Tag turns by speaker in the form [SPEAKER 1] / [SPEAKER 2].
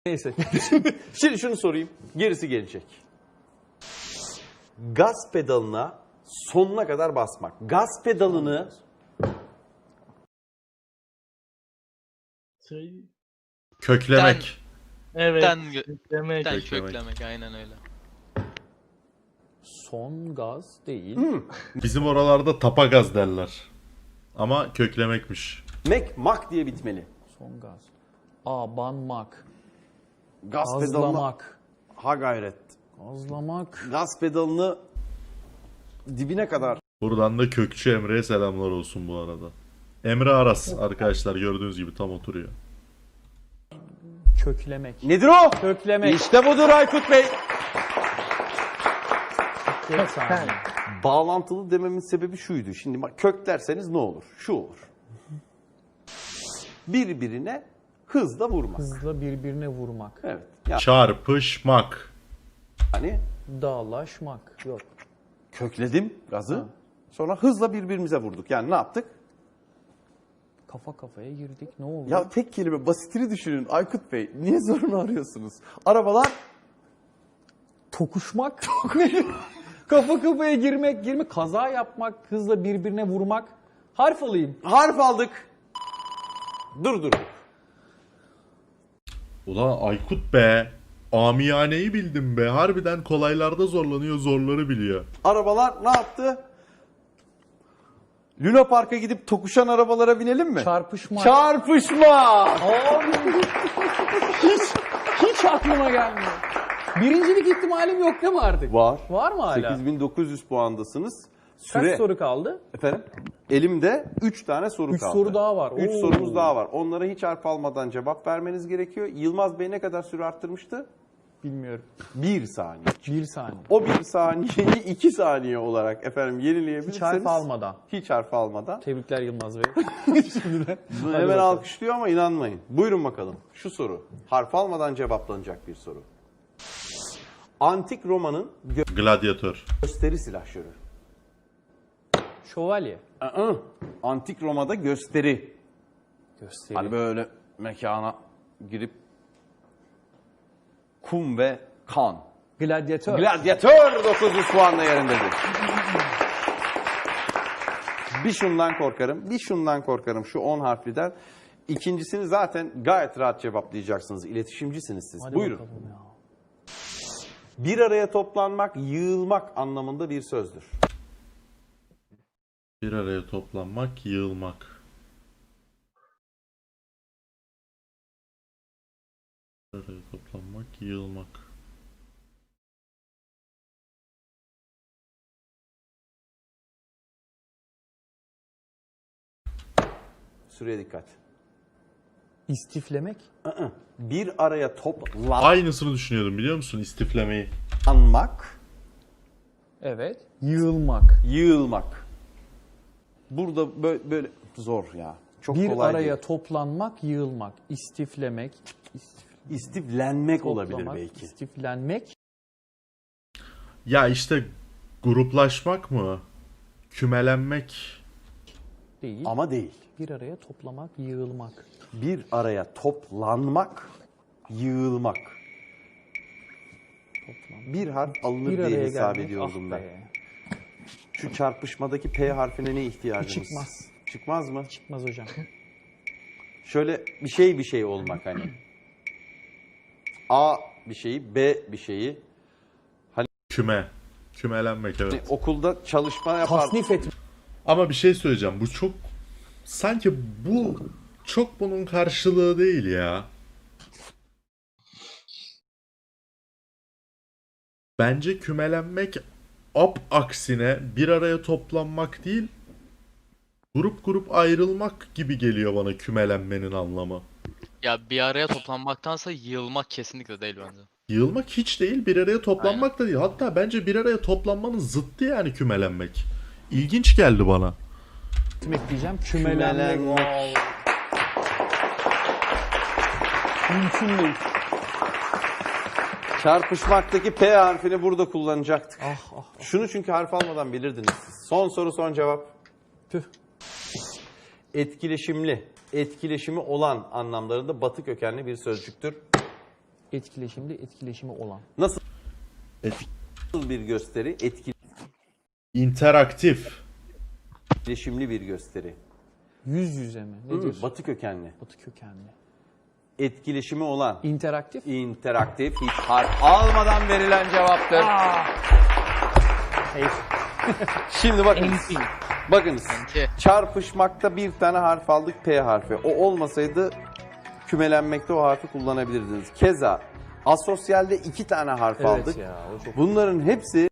[SPEAKER 1] Neyse. Şimdi şunu sorayım. Gerisi gelecek. Gaz pedalına sonuna kadar basmak. Gaz pedalını
[SPEAKER 2] Köklemek.
[SPEAKER 3] Evet.
[SPEAKER 2] Köklemek.
[SPEAKER 3] Köklemek aynen öyle.
[SPEAKER 1] son gaz değil.
[SPEAKER 2] Bizim oralarda tapa gaz derler. Ama köklemekmiş.
[SPEAKER 1] Mak diye bitmeli.
[SPEAKER 4] Son gaz. Abanmak.
[SPEAKER 1] Gaz pedalına
[SPEAKER 4] Gazlamak.
[SPEAKER 1] ha gayret.
[SPEAKER 4] Gazlamak.
[SPEAKER 1] Gaz pedalını dibine kadar.
[SPEAKER 2] Buradan da Kökçü Emre'ye selamlar olsun bu arada. Emre Aras arkadaşlar gördüğünüz gibi tam oturuyor.
[SPEAKER 4] Köklemek.
[SPEAKER 1] Nedir o?
[SPEAKER 4] Köklemek.
[SPEAKER 1] İşte budur Aykut Bey.
[SPEAKER 4] Bir saniye.
[SPEAKER 1] Bağlantılı dememin sebebi şuydu. Şimdi bak kök derseniz ne olur? Şu olur. Birbirine hızla vurmak.
[SPEAKER 4] Hızla birbirine vurmak.
[SPEAKER 1] Evet.
[SPEAKER 2] Çarpışmak.
[SPEAKER 1] Yani
[SPEAKER 4] Dağlaşmak. Yok.
[SPEAKER 1] kökledim gazı. Sonra hızla birbirimize vurduk. Yani ne yaptık?
[SPEAKER 4] Kafa kafaya girdik. Ne oldu?
[SPEAKER 1] Ya tek kelime basitini düşünün Aykut Bey. Niye zorunu arıyorsunuz? Arabalar
[SPEAKER 4] Tokuşmak. Kafa kafaya girmek. Kaza yapmak. Hızla birbirine vurmak. Harf alayım.
[SPEAKER 1] harf aldık. Dur.
[SPEAKER 2] Ulan Aykut be. Amiyaneyi bildim be. Harbiden kolaylarda zorlanıyor, zorları biliyor.
[SPEAKER 1] Arabalar ne yaptı? Luna Park'a gidip tokuşan arabalara binelim mi?
[SPEAKER 4] Çarpışmak.
[SPEAKER 1] Çarpışma!
[SPEAKER 4] Hiç aklıma gelmiyor. Birincilik ihtimalim yok değil mi artık?
[SPEAKER 1] Var.
[SPEAKER 4] Var mı hala?
[SPEAKER 1] 8900 puandasınız.
[SPEAKER 4] Kaç soru kaldı?
[SPEAKER 1] Efendim? Elimde 3 tane soru
[SPEAKER 4] 3
[SPEAKER 1] kaldı.
[SPEAKER 4] soru daha var.
[SPEAKER 1] 3
[SPEAKER 4] Oo.
[SPEAKER 1] sorumuz daha var. Onlara hiç harf almadan cevap vermeniz gerekiyor. Yılmaz Bey ne kadar süre arttırmıştı?
[SPEAKER 4] Bilmiyorum.
[SPEAKER 1] 1 saniye.
[SPEAKER 4] 1 saniye.
[SPEAKER 1] O 1 saniyeyi 2 saniye olarak efendim yenileyebilirseniz.
[SPEAKER 4] Hiç harf almadan.
[SPEAKER 1] Hiç harf almadan.
[SPEAKER 4] Tebrikler Yılmaz Bey. Şimdiden.
[SPEAKER 1] Bunu hemen alkışlıyor ama inanmayın. Buyurun bakalım. Şu soru. Harf almadan cevaplanacak bir soru. Antik Roma'nın
[SPEAKER 2] Gladyatör.
[SPEAKER 1] gösteri silahşörü.
[SPEAKER 4] Şövalye.
[SPEAKER 1] Antik Roma'da gösteri.
[SPEAKER 4] Gösteri.
[SPEAKER 1] Hani böyle mekana girip kum ve kan.
[SPEAKER 4] Gladyatör.
[SPEAKER 1] Gladyatör 900 puanla yerindedir. Bir şundan korkarım şu 10 harfliden. İkincisini zaten gayet rahat cevaplayacaksınız. İletişimcisiniz siz.
[SPEAKER 4] Hadi
[SPEAKER 1] Buyurun.
[SPEAKER 4] bakalım ya.
[SPEAKER 1] Bir araya toplanmak, yığılmak anlamında bir sözdür.
[SPEAKER 2] Bir araya toplanmak, yığılmak. Bir araya toplanmak, yığılmak.
[SPEAKER 1] Süreye dikkat.
[SPEAKER 4] İstiflemek.
[SPEAKER 1] Bir araya
[SPEAKER 2] Aynısını düşünüyordum biliyor musun? İstiflemeyi.
[SPEAKER 1] toplanmak,
[SPEAKER 4] Evet. Yığılmak.
[SPEAKER 1] yığılmak. Burada böyle zor ya. Çok
[SPEAKER 4] Bir
[SPEAKER 1] kolay
[SPEAKER 4] araya
[SPEAKER 1] değil.
[SPEAKER 4] toplanmak, yığılmak. İstiflemek.
[SPEAKER 1] İstiflenmek olabilir
[SPEAKER 4] Toplamak,
[SPEAKER 1] belki.
[SPEAKER 4] İstiflenmek.
[SPEAKER 2] Ya işte gruplaşmak mı? Kümelenmek.
[SPEAKER 4] Değil.
[SPEAKER 1] Ama değil.
[SPEAKER 4] Bir araya toplamak, yığılmak.
[SPEAKER 1] Bir araya toplanmak, yığılmak.
[SPEAKER 4] Toplanmak.
[SPEAKER 1] Bir harf alınır
[SPEAKER 4] Bir
[SPEAKER 1] diye
[SPEAKER 4] araya
[SPEAKER 1] hesap
[SPEAKER 4] gelmek.
[SPEAKER 1] ediyordum
[SPEAKER 4] Ah
[SPEAKER 1] ben.
[SPEAKER 4] be.
[SPEAKER 1] Şu çarpışmadaki P harfine ne ihtiyacımız?
[SPEAKER 4] Çıkmaz.
[SPEAKER 1] Çıkmaz mı?
[SPEAKER 4] Çıkmaz hocam.
[SPEAKER 1] Şöyle bir şey olmak hani. A bir şeyi, B bir şeyi.
[SPEAKER 2] Küme. Kümelenmek
[SPEAKER 1] Hani
[SPEAKER 2] evet.
[SPEAKER 1] okulda çalışma yapar.
[SPEAKER 4] Tasnif etmek.
[SPEAKER 2] Ama bir şey söyleyeceğim. Bu çok... Sanki bu çok bunun karşılığı değil ya. Bence kümelenmek aksine bir araya toplanmak değil, grup ayrılmak gibi geliyor bana kümelenmenin anlamı.
[SPEAKER 3] Ya bir araya toplanmaktansa yığılmak kesinlikle değil bence.
[SPEAKER 2] Yığılmak hiç değil, bir araya toplanmak da değil. Hatta bence bir araya toplanmanın zıttı yani kümelenmek. İlginç geldi bana.
[SPEAKER 4] diyeceğim. Kümelenmek.
[SPEAKER 1] Kümelenmek.
[SPEAKER 4] Mümkün değil.
[SPEAKER 1] Çarpışmaktaki P harfini burada kullanacaktık.
[SPEAKER 4] Ah.
[SPEAKER 1] Şunu çünkü harf almadan bilirdiniz siz. Son soru son cevap.
[SPEAKER 4] Tüh.
[SPEAKER 1] Etkileşimli, etkileşimi olan anlamlarında batı kökenli bir sözcüktür.
[SPEAKER 4] Etkileşimli, etkileşimi olan.
[SPEAKER 1] Nasıl
[SPEAKER 2] Et-
[SPEAKER 1] bir gösteri?
[SPEAKER 2] interaktif.
[SPEAKER 1] Etkileşimli bir gösteri.
[SPEAKER 4] Yüz yüze mi? Ne diyorsun?
[SPEAKER 1] Batı kökenli.
[SPEAKER 4] Batı kökenli.
[SPEAKER 1] Etkileşimi olan.
[SPEAKER 4] İnteraktif.
[SPEAKER 1] interaktif hiç harf almadan verilen cevaptır.
[SPEAKER 4] Hayır.
[SPEAKER 1] Şimdi bakınız.
[SPEAKER 4] NP.
[SPEAKER 1] Bakınız.
[SPEAKER 3] Enti.
[SPEAKER 1] Çarpışmakta bir tane harf aldık, P harfi. O olmasaydı kümelenmekte o harfi kullanabilirdiniz. Keza asosyalde 2 tane harf
[SPEAKER 4] Evet
[SPEAKER 1] aldık.
[SPEAKER 4] ya, o çok
[SPEAKER 1] Bunların hepsi